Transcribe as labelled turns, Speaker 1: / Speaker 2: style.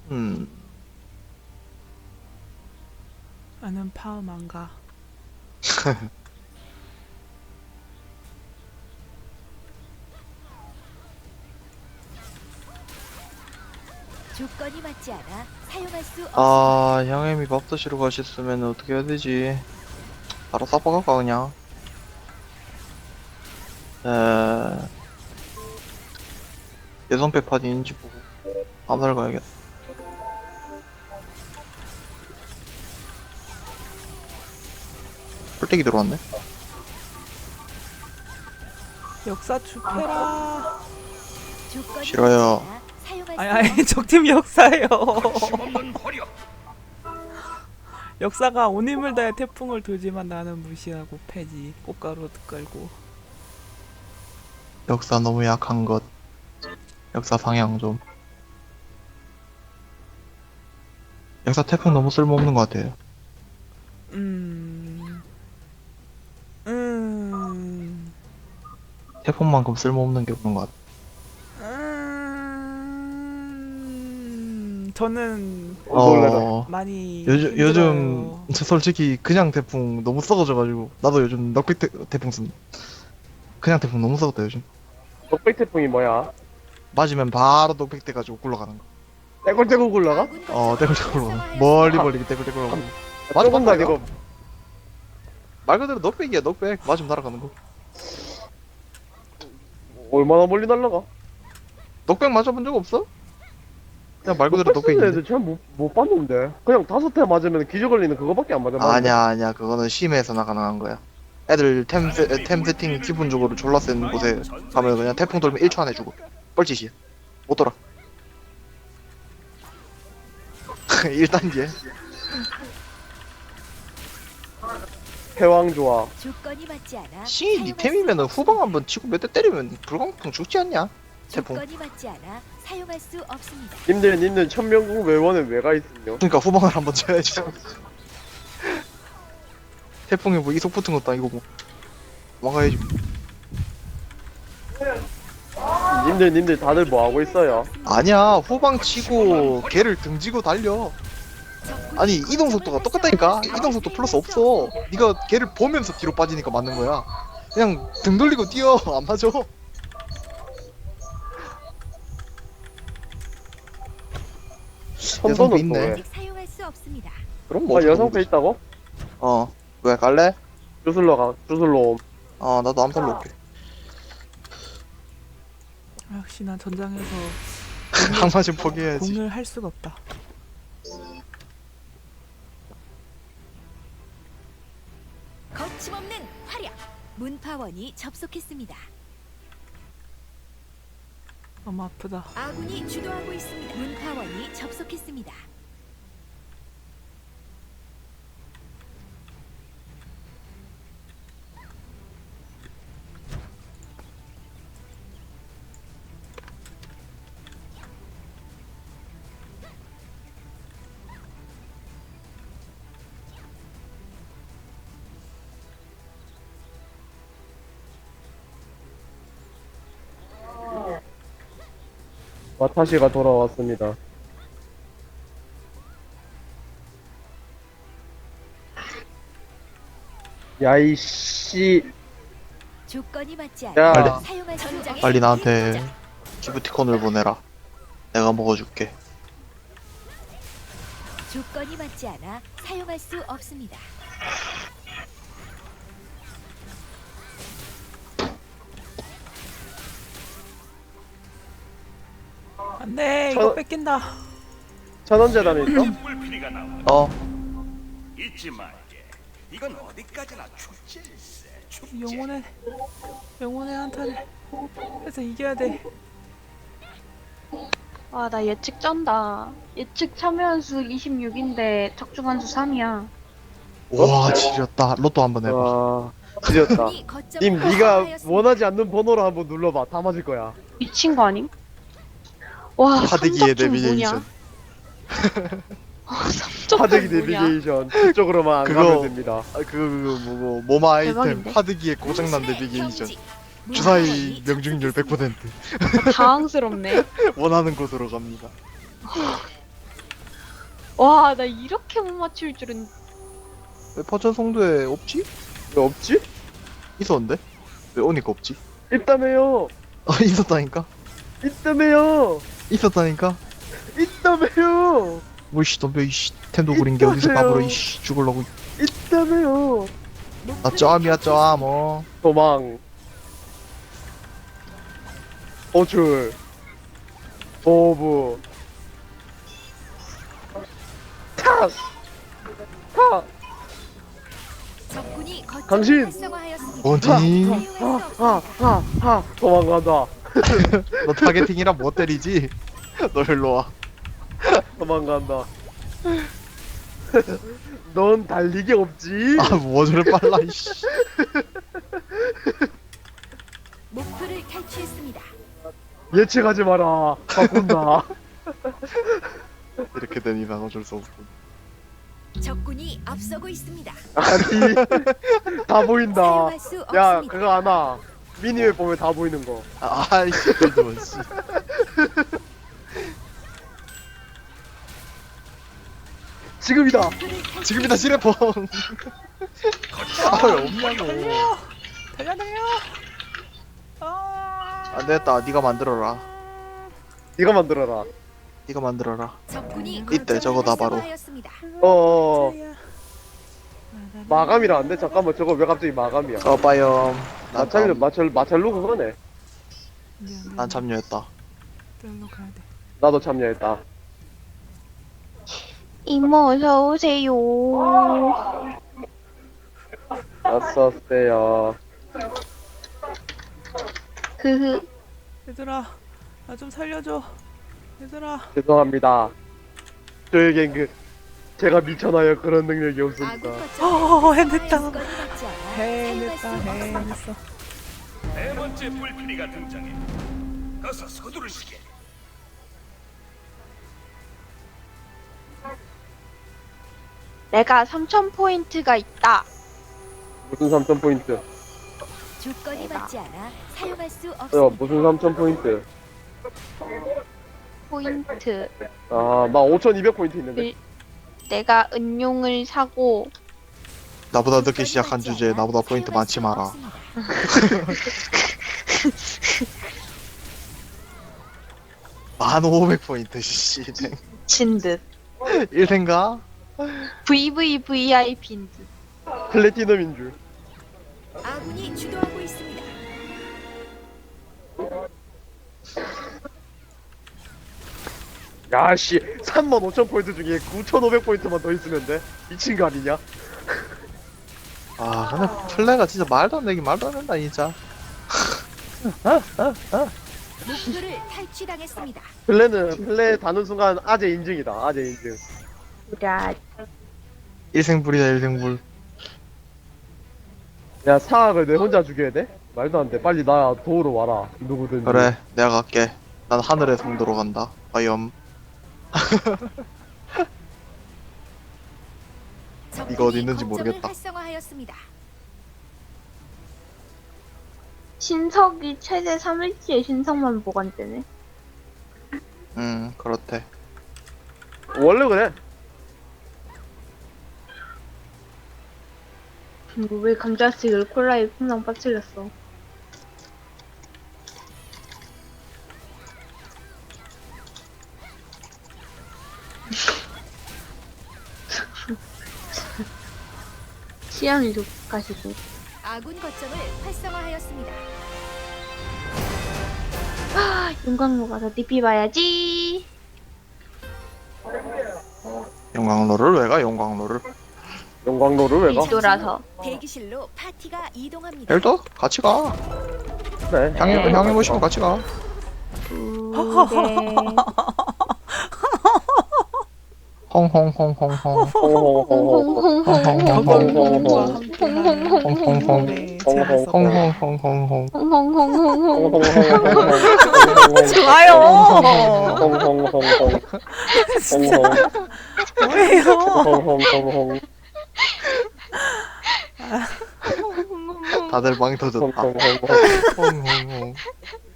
Speaker 1: 음,
Speaker 2: 나는 파움 안 가.
Speaker 3: 조건이 맞지 않아 사용할 수 없습니다.
Speaker 1: 아, 형님이 밥 드시러 가셨으면 어떻게 해야 되지? 바로 싸박할까, 그냥? 에, 예선패 파디인지 보고, 암살 가야겠다. 뿔떼기 들어왔네?
Speaker 2: 역사 주패라.
Speaker 3: 조건이
Speaker 1: 싫어요.
Speaker 3: 맞지 않아 사용할
Speaker 2: 아니
Speaker 3: 수
Speaker 2: 아니 적팀 역사예요. 역사가 온 힘을 다해 태풍을 돌지만 나는 무시하고 패지. 꽃가루 끌고.
Speaker 1: 역사 너무 약한 것. 역사 방향 좀. 역사 태풍 너무 쓸모없는 것 같아요.
Speaker 2: 음.
Speaker 1: 태풍만큼 쓸모없는 게 없는 것 같아.
Speaker 2: 저는 많이
Speaker 1: 요즘
Speaker 2: 힘들어요.
Speaker 1: 저 솔직히 그냥 태풍 너무 썩어져가지고 나도 요즘 넉백 태풍 씁니다. 그냥 태풍 너무 썩었다 요즘.
Speaker 4: 넉백 태풍이 뭐야?
Speaker 1: 맞으면 바로 넉백 돼가지고 굴러가는 거.
Speaker 4: 떼굴떼굴 굴러가?
Speaker 3: 아군
Speaker 1: 떼굴떼굴
Speaker 3: 거점을
Speaker 1: 굴러가.
Speaker 3: 활성화하였습니다.
Speaker 1: 멀리 멀리 떼굴떼굴 굴러가. 맞아,
Speaker 4: 조금 더
Speaker 1: 맞아.
Speaker 4: 아니고
Speaker 1: 말 그대로 넉백이야 넉백. 맞으면 날아가는 거.
Speaker 4: 얼마나 멀리 날라가?
Speaker 1: 넉백 맞아본 적 없어? 그냥 말 그대로
Speaker 4: 넉백 쓰는
Speaker 1: 넉백인데.
Speaker 4: 애들 잘못 봤는데 그냥 5대 맞으면 기저 걸리는 그거밖에 안 맞아.
Speaker 1: 아니야 그거는 심해서나 가능한 거야. 애들 템 세팅 기본적으로 졸라 센 곳에 가면 그냥 태풍 돌면 1초 안에 죽어. 뻘짓이야. 못 돌아. 1단계.
Speaker 4: 패왕 좋아.
Speaker 3: 조건이 맞지 않아
Speaker 1: 씨, 니
Speaker 3: 사용할
Speaker 1: 템이면은
Speaker 3: 수
Speaker 1: 후방 한번 치고 몇 대 때리면 불광풍 죽지 않냐? 태풍.
Speaker 3: 조건이 맞지 않아 사용할 수 없습니다.
Speaker 4: 님들 천명국 외원에 왜가 있으며?
Speaker 1: 그러니까 후방을 한번 쳐야지. 태풍에 뭐 이속 붙은 것도 아니고 뭐. 도망가야지.
Speaker 4: 님들 다들 뭐 하고 있어요?
Speaker 1: 아니야, 후방 치고 걔를 등지고 달려. 아니, 이동 속도가 똑같다니까? 이동 속도 플러스 없어. 네가 걔를 보면서 뒤로 빠지니까 맞는 거야. 그냥 등 돌리고 뛰어. 안 맞아.
Speaker 4: 선도는
Speaker 1: 여성도
Speaker 4: 또
Speaker 1: 있네.
Speaker 4: 왜?
Speaker 3: 아직 사용할 수 없습니다.
Speaker 1: 그럼 뭐.
Speaker 4: 아 여성패 있다고?
Speaker 1: 어. 왜 갈래?
Speaker 4: 주술로 옴.
Speaker 1: 나도 암살로 올게.
Speaker 2: 역시 난 전장에서
Speaker 1: 항마진 포기해야지.
Speaker 2: 공을 할 수가 없다.
Speaker 3: 거침없는 활약. 문파원이 접속했습니다.
Speaker 2: 너무 아프다.
Speaker 3: 아군이 주도하고 있습니다. 문파원이 접속했습니다.
Speaker 4: 와타시가 돌아왔습니다. 야이씨.
Speaker 3: 조건이 맞지
Speaker 4: 야.
Speaker 3: 않아 사용할 수 없습니다.
Speaker 1: 빨리 나한테 기프티콘을 보내라. 내가 먹어줄게.
Speaker 3: 조건이 맞지 않아 사용할 수 없습니다.
Speaker 2: 안돼
Speaker 4: 저-
Speaker 2: 이거 뺏긴다.
Speaker 4: 천원재단에 있어?
Speaker 5: 물피리가 나와
Speaker 1: 어.
Speaker 5: 잊지 말게. 이건 어디까지나 축제일세. 축제.
Speaker 2: 영혼의 한타를 해서 이겨야 돼.
Speaker 6: 아, 나 예측 쩐다. 예측 참여연수 26인데 적중한수 3이야.
Speaker 1: 와, 지렸다. 로또 한번 해봐.
Speaker 4: 와 지렸다.
Speaker 3: 아군이 거점을
Speaker 4: 님 네가
Speaker 3: 활성화하였습니다.
Speaker 4: 원하지 않는 번호로 한번 눌러봐. 다 맞을 거야.
Speaker 6: 미친 거 아님? 와,
Speaker 1: 파대기의
Speaker 6: 삼적중
Speaker 1: 내비게이션.
Speaker 6: 뭐냐? 삼적중
Speaker 4: 파대기
Speaker 6: 뭐냐?
Speaker 4: 내비게이션 그쪽으로만 안
Speaker 1: 그거-
Speaker 4: 가면 됩니다.
Speaker 1: 그거 뭐고 모마 아이템
Speaker 6: 대박인데?
Speaker 1: 파드기의 고장난
Speaker 3: 문신의
Speaker 1: 내비게이션.
Speaker 3: 경지.
Speaker 1: 주사위
Speaker 3: 문파원이
Speaker 1: 명중률
Speaker 3: 접속했습니다.
Speaker 1: 100%.
Speaker 6: 당황스럽네.
Speaker 1: 원하는 곳으로 갑니다.
Speaker 6: 와, 나 이렇게 못 맞출 줄은.
Speaker 1: 왜 파천 송도에 없지?
Speaker 4: 왜 없지?
Speaker 1: 있었는데? 왜 오니까 없지?
Speaker 4: 있다며요.
Speaker 1: 있었다니까?
Speaker 4: 있다며요.
Speaker 1: 있었다니까?
Speaker 4: 있다며요.
Speaker 1: 뭐이씨 덤벼 이씨 템도 구린 게 어디서 까불어 이씨 죽을라고.
Speaker 4: 있다며요.
Speaker 1: 나 쩌암이야 쩌암 어.
Speaker 4: 도망. 호출. 도부. 탁. 탁.
Speaker 3: 적군이 거점을
Speaker 4: 당신!
Speaker 3: 활성화하였습니다.
Speaker 1: 어디?
Speaker 3: 사용할 수 없습니다.
Speaker 4: 하. 도망간다.
Speaker 1: 너 타겟팅이라 못 때리지? 너 일로 와.
Speaker 4: 도망간다. 넌 달리기 없지?
Speaker 1: 뭐 저래 빨라 이씨.
Speaker 3: 목표를 탈취했습니다.
Speaker 4: 예측하지 마라. 바꾼다.
Speaker 1: 이렇게 된 이상 어쩔 수 없군.
Speaker 3: 적군이 앞서고 있습니다.
Speaker 4: 아니, 다 보인다.
Speaker 3: 사용할 수
Speaker 4: 야,
Speaker 3: 없습니다.
Speaker 4: 그거 아나. 미니맵 보면 다 보이는 거.
Speaker 1: 아이씨 그래도 씨.
Speaker 4: 지금이다.
Speaker 3: 목표를 탈취-
Speaker 1: 지금이다 시레펑. 아왜 없냐고.
Speaker 2: 달려 달려. 아.
Speaker 1: 안 되겠다. 네가 만들어라.
Speaker 4: 네가 만들어라.
Speaker 1: 네가 만들어라.
Speaker 3: 적군이
Speaker 1: 이때
Speaker 3: 거점을
Speaker 1: 저거다, 바로.
Speaker 3: 활성화하였습니다.
Speaker 4: 어. 마감이라는데 잠깐만 저거 왜 갑자기 마감이야?
Speaker 1: 써봐요.
Speaker 4: 마찰루 그거네.
Speaker 1: 난 참여했다.
Speaker 2: 저기로 가야 돼.
Speaker 4: 나도 참여했다.
Speaker 6: 이모, 어서오세요.
Speaker 4: 어서오세요.
Speaker 6: 흐흐.
Speaker 2: 얘들아, 나 좀 살려줘. 얘들아.
Speaker 4: 죄송합니다. 저에겐 제가 미쳐나요 그런 능력이 없습니다.
Speaker 3: 아군 거점을
Speaker 2: 해냈다.
Speaker 3: 사용할 수가 있지 않아
Speaker 2: 해냈다,
Speaker 3: 사용할 수 없습니다.
Speaker 2: 해냈어.
Speaker 5: 네 번째 뿔피리가 등장해. 어서 서두르시게.
Speaker 6: 내가 3000포인트가 있다.
Speaker 4: 무슨 3000포인트?
Speaker 3: 조건이 맞지 않아 사용할 수
Speaker 4: 야
Speaker 3: 없습니다.
Speaker 4: 무슨 3000포인트?
Speaker 6: 포인트.
Speaker 4: 아 나 5200포인트 있는데.
Speaker 6: 내가 은용을 사고
Speaker 1: 나보다 늦게 시작한 주제에 나보다 포인트 많지 마라. 1500포인트 씨.
Speaker 6: 친 듯.
Speaker 1: 1생가?
Speaker 6: VVVIP인 듯.
Speaker 4: 플래티넘인 줄.
Speaker 3: 아군이 주도하고 있습니다.
Speaker 4: 야씨 35,000포인트 중에 9,500포인트만 더 있으면 돼? 미친 거 아니냐?
Speaker 1: 아 근데 플레이가 진짜 말도 안 되긴 말도 안 된다 진짜.
Speaker 3: 목표를 탈취당했습니다.
Speaker 4: 플레 다는 순간 아재 인증이다. 아재 인증.
Speaker 6: 야,
Speaker 1: 1생불이다 1생불.
Speaker 4: 야 사악을 내 혼자 죽여야 돼? 말도 안 돼. 빨리 나 도우러 와라. 누구든지.
Speaker 1: 그래 내가 갈게. 난 하늘의 성도로 간다. 과연 이거 어디 있는지
Speaker 3: 거점을
Speaker 1: 모르겠다.
Speaker 3: 활성화하였습니다.
Speaker 6: 신석이 최대 3일치의 신석만 보관되네.
Speaker 1: 그렇대.
Speaker 4: 원래 그래.
Speaker 6: 왜 감자튀김을 콜라에 풍랑 빠뜨렸어? 취향이 좋가시고.
Speaker 3: 아군 거점을 활성화하였습니다.
Speaker 6: 용광로 가서 DP 봐야지.
Speaker 1: 용광로를 왜 가? 용광로를.
Speaker 4: 영광로를 왜 가?
Speaker 6: 뒤돌아서.
Speaker 3: 대기실로 파티가 이동합니다.
Speaker 1: 헬도 같이 가.
Speaker 4: 그래.
Speaker 1: 향이 모시면 같이 가.
Speaker 6: 그래.
Speaker 1: 홍홍홍홍홍.
Speaker 2: 저건과 함께하는 네, 재밌었다.
Speaker 1: 홍홍홍홍홍.
Speaker 2: 좋아요. 진짜 뭐예요?
Speaker 1: 다들 망 터졌다. 홍홍홍.